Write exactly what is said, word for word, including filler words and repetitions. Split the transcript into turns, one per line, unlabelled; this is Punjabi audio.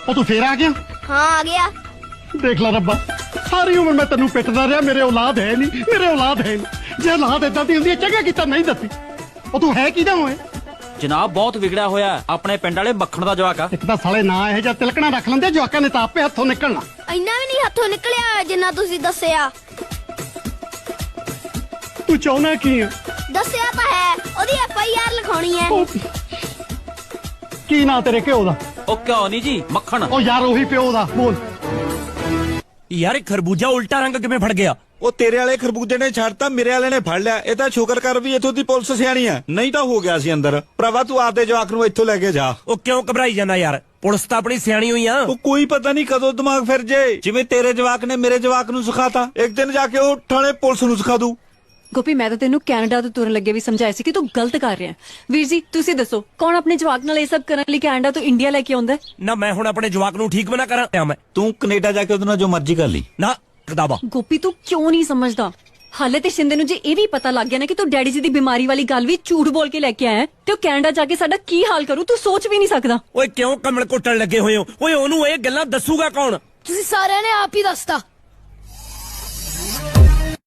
ਉਹ ਤੂੰ ਫੇਰ ਆ ਗਿਆ?
हाँ आ गया।
देख ला रब्बा, सारी उम्र मैं तेनू पिटदा रहा, मेरे औलाद है नहीं, मेरे औलाद है नहीं। जे औलाद इदां दी हुंदी चंगा कीता नहीं दसी। ਉਹ ਤੂੰ ਹੈ ਕਿਹਦਾ ਹੋਏ?
ਜਨਾਬ ਬਹੁਤ ਵਿਗੜਿਆ ਹੋਇਆ ਆਪਣੇ ਪਿੰਡ ਵਾਲੇ ਮੱਖਣ ਦਾ ਜਵਾਕ ਆ।
ਇੱਕ ਤਾਂ ਸਾਲੇ ਨਾ ਇਹ ਜਾਂ ਤਿਲਕਣਾ ਰੱਖ ਲੈਂਦੇ, ਜਵਾਕਾਂ ਨੇ ਤਾਂ ਆਪੇ ਹੱਥੋਂ ਨਿਕਲਣਾ।
ਇੰਨਾ ਵੀ ਨਹੀਂ ਹੱਥੋਂ ਨਿਕਲਿਆ ਜਿੰਨਾ ਤੁਸੀਂ ਦੱਸਿਆ।
ਤੂੰ ਚਾਹੁੰਦਾ ਕੀ ਆ?
ਦੱਸਿਆ ਤਾਂ ਹੈ, ਉਹਦੀ ਐਫ ਆਈ ਆਰ ਲਿਖਾਉਣੀ ਹੈ।
ਕੀ ਨਾਂ ਤੇਰੇ ਘਿਓ ਦਾ?
ਉਹ ਕਿਉਂ ਨਹੀਂ ਜੀ, ਮੱਖਣ।
ਉਹ ਯਾਰ ਉਹੀ ਪਿਓ ਦਾ ਬੋਲ।
ਯਾਰ ਖਰਬੂਜਾ ਉਲਟਾ ਰੰਗ ਕਿਵੇਂ ਫੜ ਗਿਆ?
ਉਹ ਤੇਰੇ ਵਾਲੇ ਖਰਬੂਜੇ ਨੇ ਛੱਡਤਾ, ਮੇਰੇ ਵਾਲੇ ਨੇ ਫੜ ਲਿਆ। ਇਹ ਤਾਂ ਸ਼ੁਕਰ ਕਰ ਵੀ ਇੱਥੋਂ ਦੀ ਪੁਲਿਸ ਸਿਆਣੀ ਆ, ਨਹੀਂ ਤਾਂ ਹੋ ਗਿਆ ਸੀ ਅੰਦਰ। ਭਰਾਵਾ ਤੂੰ ਆਪਦੇ ਜਵਾਕ ਨੂੰ ਇੱਥੋਂ ਲੈ ਕੇ ਜਾ।
ਉਹ ਕਿਉਂ ਘਬਰਾਈ ਜਾਂਦਾ ਯਾਰ, ਪੁਲਿਸ ਤਾਂ ਆਪਣੀ ਸਿਆਣੀ ਹੋਈ ਆ।
ਉਹ ਕੋਈ ਪਤਾ ਨਹੀਂ ਕਦੋਂ ਦਿਮਾਗ ਫਿਰ ਜੇ, ਜਿਵੇਂ ਤੇਰੇ ਜਵਾਕ ਨੇ ਮੇਰੇ ਜਵਾਕ ਨੂੰ ਸਿਖਾਤਾ, ਇੱਕ ਦਿਨ ਜਾ ਕੇ ਉਹ ਥਾਣੇ ਪੁਲਿਸ ਨੂੰ ਸਿਖਾ ਦੂ।
ਗੋਪੀ ਮੈਂ ਤਾਂ ਤੈਨੂੰ ਕੈਨੇਡਾ ਤੋਂ ਤੁਰਨ ਲੱਗੇ ਵੀ ਸਮਝਾਇਆ ਸੀ ਕਿ ਤੂੰ ਗਲਤ ਕਰ ਰਿਹਾ। ਵੀਰ ਜੀ ਤੁਸੀਂ ਦੱਸੋ, ਕੌਣ ਆਪਣੇ ਜਵਾਕ ਨਾਲ ਇਹ ਸਭ ਕਰਨ ਲਈ ਕੈਨੇਡਾ ਤੋਂ ਇੰਡੀਆ ਲੈ ਕੇ ਆਉਂਦਾ?
ਨਾ ਮੈਂ ਹੁਣ ਆਪਣੇ ਜਵਾਕ ਨੂੰ ਠੀਕ ਬਣਾ ਕਰਾਂ ਮੈਂ?
ਤੂੰ ਕੈਨੇਡਾ ਜਾ ਕੇ ਉਹਦੇ ਨਾਲ ਜੋ ਮਰਜ਼ੀ ਕਰ ਲਈ।
ਨਾ ਕਦਾਬਾ
ਗੋਪੀ ਤੂੰ ਕਿਉਂ ਨਹੀਂ ਸਮਝਦਾ? ਹਾਲੇ ਤੇ ਸ਼ਿੰਦੇ ਨੂੰ ਜੇ ਇਹ ਵੀ ਪਤਾ ਲੱਗ ਗਿਆ ਨਾ ਕਿ ਤੂੰ ਡੈਡੀ ਜੀ ਦੀ ਬਿਮਾਰੀ ਵਾਲੀ ਗੱਲ ਵੀ ਝੂਠ ਬੋਲ ਕੇ ਲੈ ਕੇ ਆਇਆ ਤੇ ਉਹ ਕੈਨੇਡਾ ਜਾ ਕੇ ਸਾਡਾ ਕੀ ਹਾਲ ਕਰੂ, ਤੂੰ ਸੋਚ ਵੀ ਨਹੀਂ ਸਕਦਾ।
ਓਏ ਕਿਉਂ ਕਮਲ ਕੁੱਟਣ ਲੱਗੇ ਹੋਏ ਹੋ? ਓਏ ਉਹਨੂੰ ਇਹ ਗੱਲਾਂ ਦੱਸੂਗਾ ਕੌਣ?
ਤੁਸੀਂ ਸਾਰਿਆਂ ਨੇ ਆਪ ਹੀ ਦੱਸਤਾ।